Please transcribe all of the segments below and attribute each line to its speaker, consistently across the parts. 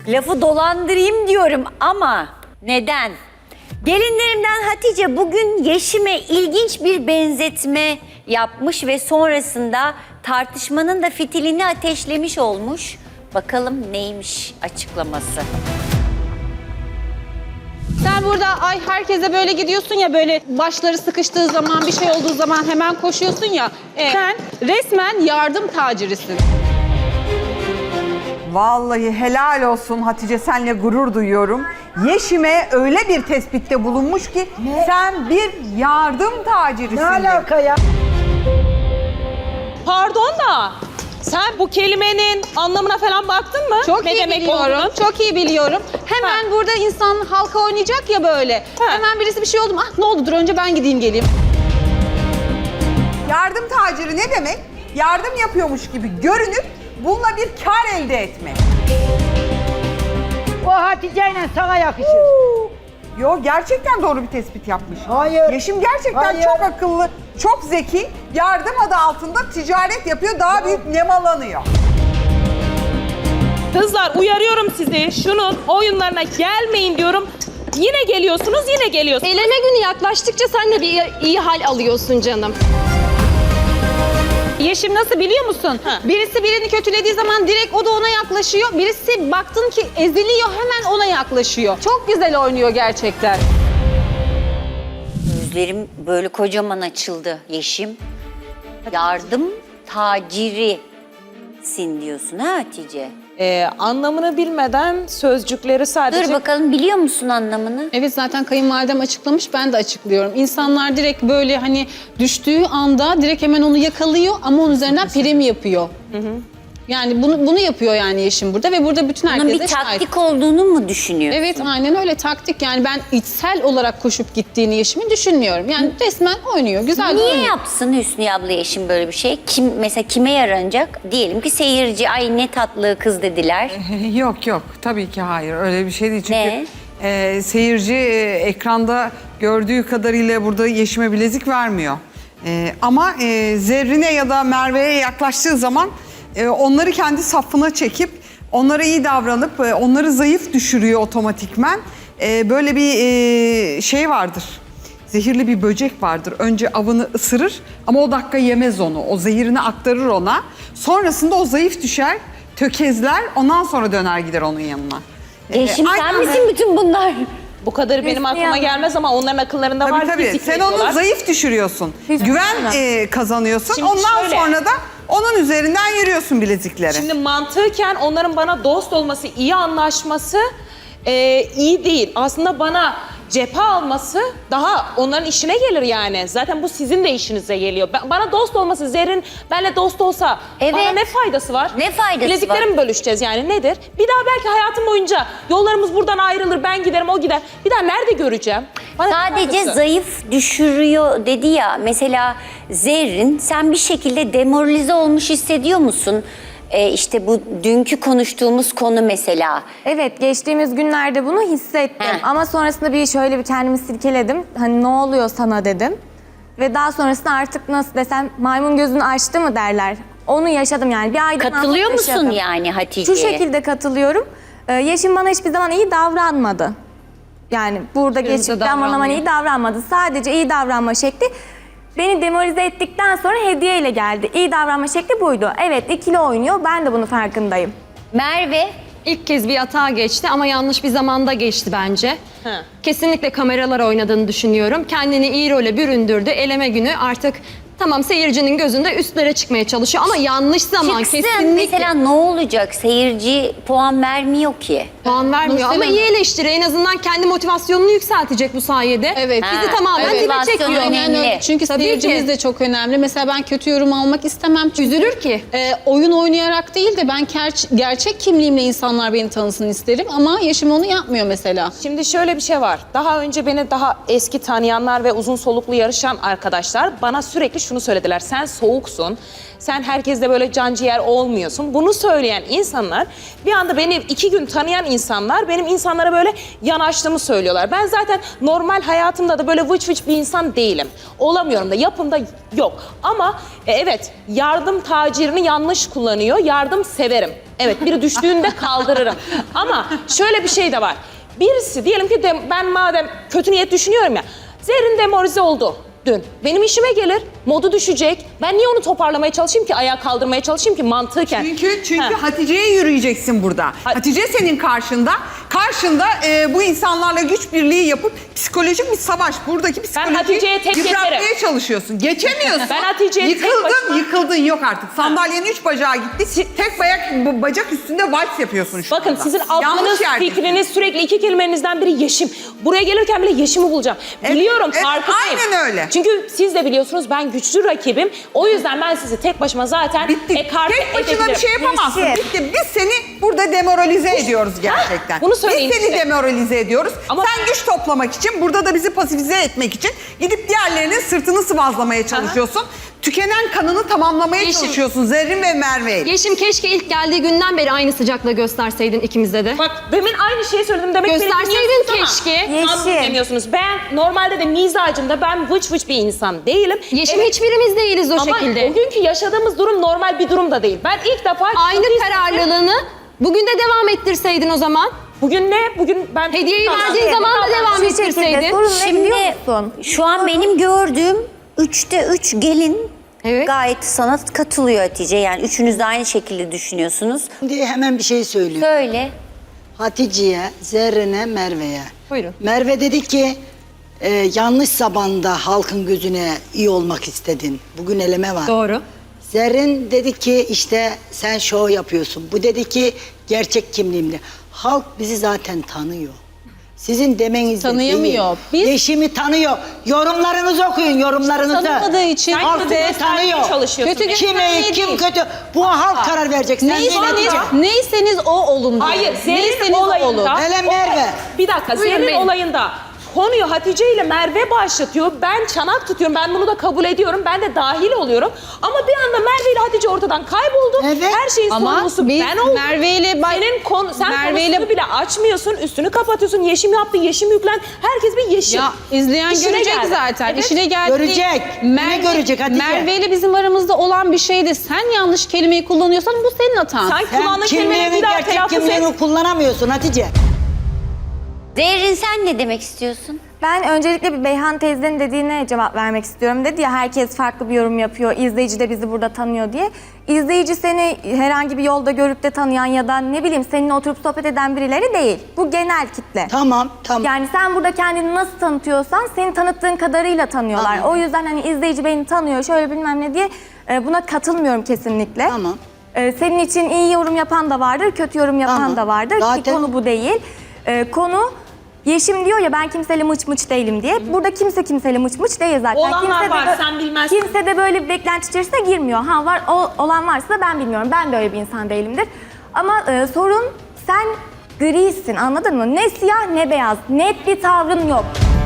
Speaker 1: Lafı dolandırayım diyorum ama neden? Gelinlerimden Hatice bugün Yeşim'e ilginç bir benzetme yapmış ve sonrasında tartışmanın da fitilini ateşlemiş olmuş. Bakalım neymiş açıklaması.
Speaker 2: Sen burada ay herkese böyle gidiyorsun ya, böyle başları sıkıştığı zaman, bir şey olduğu zaman hemen koşuyorsun ya. Sen resmen yardım tacirisin.
Speaker 3: Vallahi helal olsun Hatice, senle gurur duyuyorum. Yeşim'e öyle bir tespitte bulunmuş ki sen bir yardım tacirisin.
Speaker 4: Ne alaka ya?
Speaker 5: Pardon da sen bu kelimenin anlamına falan baktın mı?
Speaker 2: Çok
Speaker 5: ne
Speaker 2: iyi
Speaker 5: demek
Speaker 2: biliyorum,
Speaker 5: olduğunu?
Speaker 2: çok iyi biliyorum. Hemen burada insan halka oynayacak ya böyle. Hemen birisi bir şey oldu mu? Ah ne oldu, dur önce ben gideyim geleyim.
Speaker 3: Yardım taciri ne demek? Yardım yapıyormuş gibi görünüp bununla bir kar elde etmek.
Speaker 4: O Hatice'yle sana yakışır.
Speaker 3: Yo, gerçekten doğru bir tespit yapmış.
Speaker 4: Hayır.
Speaker 3: Yeşim gerçekten
Speaker 4: Hayır.
Speaker 3: çok akıllı, çok zeki. Yardım adı altında ticaret yapıyor, daha büyük nemalanıyor.
Speaker 5: Kızlar uyarıyorum sizi. Şunun oyunlarına gelmeyin diyorum. Yine geliyorsunuz, yine geliyorsunuz.
Speaker 6: Eleme günü yaklaştıkça sen de bir iyi hal alıyorsun canım.
Speaker 2: Yeşim nasıl biliyor musun? Birisi birini kötülediği zaman direkt o da ona yaklaşıyor. Birisi baktın ki eziliyor, hemen ona yaklaşıyor. Çok güzel oynuyor gerçekten.
Speaker 1: Gözlerim böyle kocaman açıldı Yeşim. Yardım tacirisin diyorsun ha Hatice?
Speaker 5: Anlamını bilmeden sözcükleri sadece...
Speaker 1: Dur bakalım, biliyor musun anlamını?
Speaker 2: Evet, zaten kayınvalidem açıklamış, ben de açıklıyorum. İnsanlar direkt böyle hani düştüğü anda direkt hemen onu yakalıyor ama onun üzerinden prim yapıyor. Yani bunu yapıyor yani Yeşim burada ve burada bütün
Speaker 1: Bunun
Speaker 2: herkese
Speaker 1: bir
Speaker 2: şahit.
Speaker 1: taktik olduğunu mu düşünüyorsun?
Speaker 2: Evet, aynen öyle, taktik. Yani ben içsel olarak koşup gittiğini Yeşim'in düşünmüyorum. Yani resmen oynuyor, güzel de
Speaker 1: Niye
Speaker 2: oynuyor.
Speaker 1: yapsın Hüsnü abla Yeşim böyle bir şey? Mesela kime yaranacak? Diyelim ki seyirci, ay ne tatlı kız dediler.
Speaker 3: Yok yok, tabii ki hayır, öyle bir şey değil. Çünkü
Speaker 1: Ne?
Speaker 3: seyirci ekranda gördüğü kadarıyla burada Yeşim'e bilezik vermiyor. Ama Zerrin'e ya da Merve'ye yaklaştığı zaman onları kendi safına çekip onlara iyi davranıp onları zayıf düşürüyor otomatikmen. Böyle bir şey vardır. Zehirli bir böcek vardır. Önce avını ısırır ama o dakika yemez onu. O zehirini aktarır ona. Sonrasında o zayıf düşer, tökezler. Ondan sonra döner gider onun yanına.
Speaker 1: Yeşim sen
Speaker 3: aynen.
Speaker 1: misin bütün bunlar?
Speaker 5: Bu kadarı benim
Speaker 1: Hüsnü
Speaker 5: aklıma
Speaker 1: abla.
Speaker 5: gelmez ama onların akıllarında var.
Speaker 3: Tabii.
Speaker 5: fizik
Speaker 3: Sen onu
Speaker 5: veriyorlar.
Speaker 3: zayıf düşürüyorsun. Güven kazanıyorsun.
Speaker 5: Şimdi
Speaker 3: Ondan
Speaker 5: şöyle.
Speaker 3: sonra da onun üzerinden yürüyorsun bilezikleri.
Speaker 5: Şimdi mantıken onların bana dost olması, iyi anlaşması iyi değil. Aslında bana cephe alması daha onların işine gelir yani. Zaten bu sizin de işinize geliyor. Bana dost olması, Zerrin benimle dost olsa
Speaker 1: Evet.
Speaker 5: bana ne faydası var?
Speaker 1: Ne faydası
Speaker 5: Bilezikleri
Speaker 1: var?
Speaker 5: mi bölüşeceğiz yani, nedir? Bir daha belki hayatım boyunca yollarımız buradan ayrılır, ben giderim, o gider. Bir daha nerede göreceğim? Bana ne
Speaker 1: Sadece
Speaker 5: faydası?
Speaker 1: zayıf düşürüyor dedi ya. Mesela Zerrin, sen bir şekilde demoralize olmuş hissediyor musun? İşte bu dünkü konuştuğumuz konu mesela.
Speaker 7: Evet, geçtiğimiz günlerde bunu hissettim.
Speaker 1: Heh.
Speaker 7: Ama sonrasında şöyle bir kendimi silkeledim. Hani ne oluyor sana dedim. Ve daha sonrasında artık nasıl desem, maymun gözünü açtı mı derler. Onu yaşadım yani. Bir aydan
Speaker 1: Katılıyor
Speaker 7: fazla
Speaker 1: musun
Speaker 7: yaşadım.
Speaker 1: yani Hatice'ye?
Speaker 7: Şu şekilde katılıyorum. Yeşim bana hiçbir zaman iyi davranmadı. Yani burada geçtikten bana iyi davranmadı. Sadece iyi davranma şekli beni demoralize ettikten sonra hediyeyle geldi. İyi davranma şekli buydu. Evet, ikili oynuyor. Ben de bunun farkındayım.
Speaker 1: Merve,
Speaker 6: İlk kez bir hata geçti ama yanlış bir zamanda geçti bence. Kesinlikle kameralar oynadığını düşünüyorum. Kendini iyi role büründürdü. Eleme günü artık tamam seyircinin gözünde üstlere çıkmaya çalışıyor ama yanlış zaman
Speaker 1: çıksın
Speaker 6: kesinlikle.
Speaker 1: mesela ne olacak? Seyirci puan vermiyor ki.
Speaker 6: Puan vermiyor ama iyi eleştiri. En azından kendi motivasyonunu yükseltecek bu sayede.
Speaker 2: Evet.
Speaker 6: Bizi tamamen dibe
Speaker 1: motivasyon
Speaker 6: çekiyor.
Speaker 1: önemli.
Speaker 2: Çünkü
Speaker 6: Tabii
Speaker 2: seyircimiz
Speaker 6: ki.
Speaker 2: de çok önemli. Mesela ben kötü yorum almak istemem. Çünkü
Speaker 6: Üzülür ki.
Speaker 2: oyun oynayarak değil de ben gerçek kimliğimle insanlar beni tanısın isterim. Ama Yeşim onu yapmıyor mesela.
Speaker 5: Şimdi şöyle bir şey var. Daha önce beni daha eski tanıyanlar ve uzun soluklu yarışan arkadaşlar bana sürekli şunu söylediler. Sen soğuksun, sen herkesle böyle canciğer olmuyorsun. Bunu söyleyen insanlar bir anda beni 2 gün tanıyan insanlar benim insanlara böyle yanaştığımı söylüyorlar. Ben zaten normal hayatımda da böyle vıç vıç bir insan değilim. Olamıyorum da, yapımda yok. Ama evet, yardım tacirini yanlış kullanıyor. Yardım severim. Evet, biri düştüğünde kaldırırım. Ama şöyle bir şey de var. Birisi diyelim ki ben madem kötü niyet düşünüyorum ya. Zerrin demoralize oldu dün. Benim işime gelir, modu düşecek. Ben niye onu toparlamaya çalışayım ki, ayağa kaldırmaya çalışayım ki mantıken?
Speaker 3: Çünkü
Speaker 5: Ha.
Speaker 3: Hatice'ye yürüyeceksin burada. Hatice senin karşında. Karşında bu insanlarla güç birliği yapıp psikolojik bir savaş. Buradaki
Speaker 5: Hatice'ye
Speaker 3: psikolojiyi
Speaker 5: tek
Speaker 3: yıpratmaya
Speaker 5: geçerim.
Speaker 3: çalışıyorsun. Geçemiyorsun.
Speaker 5: Ben Hatice'ye tek başıma-
Speaker 3: Yıkıldın yok artık. Sandalyenin 3 bacağı gitti. Tek bacak üstünde vals yapıyorsun şu
Speaker 5: Bakın
Speaker 3: anda.
Speaker 5: sizin
Speaker 3: Yanlış
Speaker 5: aklınız,
Speaker 3: yerdesin.
Speaker 5: fikriniz sürekli 2 kelimenizden biri Yeşim. Buraya gelirken bile Yeşim'i bulacağım. Biliyorum,
Speaker 3: evet,
Speaker 5: farkındayım.
Speaker 3: aynen öyle.
Speaker 5: Çünkü siz de biliyorsunuz ben güçlü rakibim. O yüzden ben sizi tek başıma zaten
Speaker 3: Bitti.
Speaker 5: ekarte
Speaker 3: Tek başına bir
Speaker 5: edebilirim.
Speaker 3: şey yapamazsın.
Speaker 7: Yeşim.
Speaker 3: Bitti. Biz seni burada demoralize ediyoruz gerçekten.
Speaker 5: bunu söyleyin
Speaker 3: Biz seni
Speaker 5: işte.
Speaker 3: demoralize ediyoruz.
Speaker 5: Ama-
Speaker 3: Sen güç toplamak için, burada da bizi pasifize etmek için gidip diğerlerinin sırtını sıvazlamaya çalışıyorsun. Tükenen kanını tamamlamaya
Speaker 6: Yeşim.
Speaker 3: çalışıyorsun Zerrin ve Merve'yle.
Speaker 6: Yeşim keşke ilk geldiği günden beri aynı sıcaklığı gösterseydin ikimize de.
Speaker 5: Bak demin aynı şeyi söyledim. Demek beni
Speaker 6: Gösterseydin
Speaker 5: dinliyorsunuz ama
Speaker 6: keşke.
Speaker 5: tam
Speaker 7: Yeşim.
Speaker 5: dinlemiyorsunuz. Ben normalde de mizacımda ben vıç vıç bir insan değilim.
Speaker 6: Yeşim
Speaker 5: Evet,
Speaker 6: hiçbirimiz değiliz o
Speaker 5: ama
Speaker 6: şekilde.
Speaker 5: bugünkü yaşadığımız durum normal bir durum da değil. Ben ilk defa...
Speaker 6: Aynı kararlılığını bugün de devam ettirseydin o zaman.
Speaker 5: Bugün ne? Bugün ben...
Speaker 6: Hediyeyi verdiğin zaman da devam
Speaker 7: Şu şekilde
Speaker 6: ettirseydin.
Speaker 7: sorun ne biliyor
Speaker 1: Şimdi
Speaker 7: musun?
Speaker 1: şu an benim gördüğüm 3'te 3 gelin
Speaker 6: Evet.
Speaker 1: gayet sana katılıyor Hatice. Yani üçünüz de aynı şekilde düşünüyorsunuz.
Speaker 4: Şimdi hemen bir şey söyleyeyim.
Speaker 1: Söyle.
Speaker 4: Hatice'ye, Zerrin'e, Merve'ye.
Speaker 6: Buyurun.
Speaker 4: Merve dedi ki yanlış zamanda halkın gözüne iyi olmak istedin. Bugün eleme var.
Speaker 6: Doğru.
Speaker 4: Zerrin dedi ki işte sen şov yapıyorsun. Bu dedi ki gerçek kimliğimle. Halk bizi zaten tanıyor. Sizin demenizle
Speaker 2: Tanıyamıyor.
Speaker 4: değil.
Speaker 2: Biz-
Speaker 4: Yeşim'i tanıyor. Yorumlarınızı okuyun, yorumlarınızı.
Speaker 2: Tanımadığı için
Speaker 4: halk
Speaker 5: kötü
Speaker 4: bizi
Speaker 5: göstermeye
Speaker 4: tanıyor.
Speaker 5: çalışıyorsun.
Speaker 2: Kötü
Speaker 4: Kim iyi,
Speaker 2: göstermeye
Speaker 4: kim
Speaker 2: değil.
Speaker 4: kötü. Bu halk karar verecek. Sen değil
Speaker 2: Neyseniz,
Speaker 4: Hatice.
Speaker 2: neyseniz o olun diyor.
Speaker 5: Hayır, Zerrin
Speaker 2: Neyseniz o olun.
Speaker 5: olayında...
Speaker 4: Hele Merve.
Speaker 5: Bir dakika,
Speaker 6: Buyurun
Speaker 5: Zerrin
Speaker 6: benim.
Speaker 5: olayında konuyu Hatice ile Merve başlatıyor. Ben çanak tutuyorum, ben bunu da kabul ediyorum. Ben de dahil oluyorum. Ama bir anda Merve ile Hatice ortadan kayboldu.
Speaker 4: Evet.
Speaker 5: Her şeyin
Speaker 2: Ama
Speaker 5: sorumlusu
Speaker 2: biz
Speaker 5: ben oldum.
Speaker 2: Merve ile
Speaker 5: Sen
Speaker 2: Merve ile-
Speaker 5: konusunu bile açmıyorsun, üstünü kapatıyorsun. Yeşim yaptı, Yeşim yüklen. Herkes bir Yeşim.
Speaker 2: Ya izleyen
Speaker 5: İşine
Speaker 2: görecek
Speaker 5: geldi.
Speaker 2: zaten.
Speaker 5: Evet.
Speaker 2: İşine geldi.
Speaker 4: Görecek. Ne görecek Hatice?
Speaker 2: Merve ile bizim aramızda olan bir şeydi. Sen yanlış kelimeyi kullanıyorsan bu senin hatan.
Speaker 5: Sen
Speaker 4: Sen
Speaker 5: kullandığın kelimeleri
Speaker 4: kimliğini,
Speaker 5: bir daha
Speaker 4: gerçek
Speaker 5: telaffuz et.
Speaker 4: kimliğini kullanamıyorsun Hatice.
Speaker 1: Zerrin sen ne demek istiyorsun?
Speaker 7: Ben öncelikle bir Beyhan teyzenin dediğine cevap vermek istiyorum. Dedi ya herkes farklı bir yorum yapıyor, izleyici de bizi burada tanıyor diye. İzleyici seni herhangi bir yolda görüp de tanıyan ya da ne bileyim seninle oturup sohbet eden birileri değil. Bu genel kitle.
Speaker 4: Tamam.
Speaker 7: Yani sen burada kendini nasıl tanıtıyorsan seni tanıttığın kadarıyla tanıyorlar.
Speaker 4: Tamam.
Speaker 7: O yüzden hani izleyici beni tanıyor şöyle bilmem ne diye buna katılmıyorum kesinlikle.
Speaker 4: Tamam.
Speaker 7: Senin için iyi yorum yapan da vardır, kötü yorum yapan
Speaker 4: Tamam.
Speaker 7: da vardır. Ki
Speaker 4: Zaten-
Speaker 7: konu bu değil. Konu Yeşim diyor ya ben kimseyle mıç mıç değilim diye. Burada kimse kimseyle mıç mıç değil zaten.
Speaker 5: Olanlar
Speaker 7: Kimse de
Speaker 5: var, sen bilmezsin.
Speaker 7: Kimse de böyle bir beklenti içerisine girmiyor. Ha var olan varsa da ben bilmiyorum. Ben de öyle bir insan değilimdir. Ama sorun sen grisin anladın mı? Ne siyah ne beyaz. Net bir tavrın yok.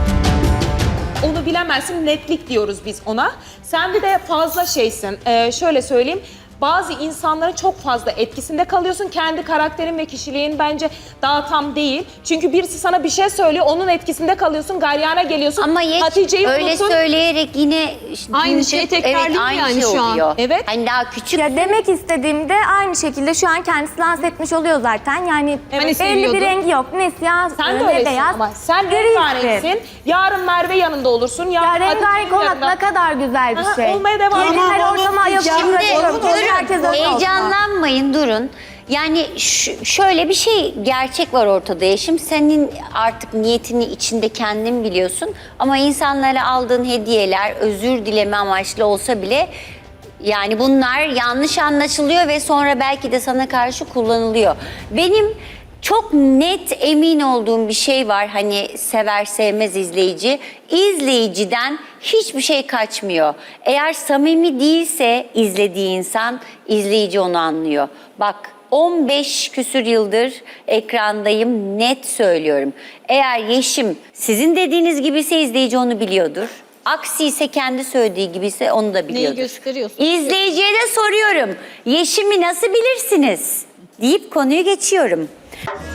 Speaker 5: Onu bilemezsin, netlik diyoruz biz ona. Sen bir de fazla şeysin. Şöyle söyleyeyim. Bazı insanların çok fazla etkisinde kalıyorsun. Kendi karakterin ve kişiliğin bence daha tam değil. Çünkü birisi sana bir şey söylüyor, onun etkisinde kalıyorsun, garyana geliyorsun.
Speaker 1: Ama
Speaker 5: Hatice'yi
Speaker 1: öyle
Speaker 5: unuttun.
Speaker 1: söyleyerek yine
Speaker 6: Aynı
Speaker 1: dünkü-
Speaker 6: şeyi tekrarlıyor
Speaker 1: evet, aynı
Speaker 6: yani
Speaker 1: şey
Speaker 6: şu an.
Speaker 1: oluyor.
Speaker 5: Evet.
Speaker 1: Hani daha küçük.
Speaker 7: Ya demek istediğimde aynı şekilde şu an kendisi lanse etmiş oluyor zaten. Yani
Speaker 6: Hani
Speaker 7: belli
Speaker 6: seviyordu.
Speaker 7: bir rengi yok. Ne siyah
Speaker 5: Sen de
Speaker 7: ne
Speaker 5: öylesin
Speaker 7: beyaz.
Speaker 5: ama. Sen
Speaker 7: grisin.
Speaker 5: rengarenksin. Yarın Merve yanında olursun.
Speaker 7: Ya
Speaker 5: Yarın
Speaker 7: rengarenk
Speaker 5: Hatice'nin
Speaker 7: olmak
Speaker 5: yanında.
Speaker 7: ne kadar güzel bir
Speaker 5: Aha,
Speaker 7: şey.
Speaker 5: olmaya devam.
Speaker 7: Yeni
Speaker 4: Tamam,
Speaker 7: her
Speaker 4: onu
Speaker 7: ortama ayak
Speaker 4: diyeceğim.
Speaker 7: uydurabiliyorum.
Speaker 1: Şimdi
Speaker 7: Keşke herkes öyle olsa.
Speaker 1: heyecanlanmayın, durun. Yani şöyle bir şey, gerçek var ortada Yeşim. Senin artık niyetini içinde kendin biliyorsun. Ama insanlara aldığın hediyeler özür dileme amaçlı olsa bile yani bunlar yanlış anlaşılıyor ve sonra belki de sana karşı kullanılıyor. Benim çok net emin olduğum bir şey var, hani sever sevmez izleyici. İzleyiciden hiçbir şey kaçmıyor. Eğer samimi değilse izlediği insan, izleyici onu anlıyor. Bak 15 küsür yıldır ekrandayım, net söylüyorum. Eğer Yeşim sizin dediğiniz gibiyse izleyici onu biliyordur. Aksi ise kendi söylediği gibiyse onu da biliyordur.
Speaker 2: gösteriyorsun?
Speaker 1: İzleyiciye de soruyorum. Yeşim'i nasıl bilirsiniz? Deyip konuyu geçiyorum.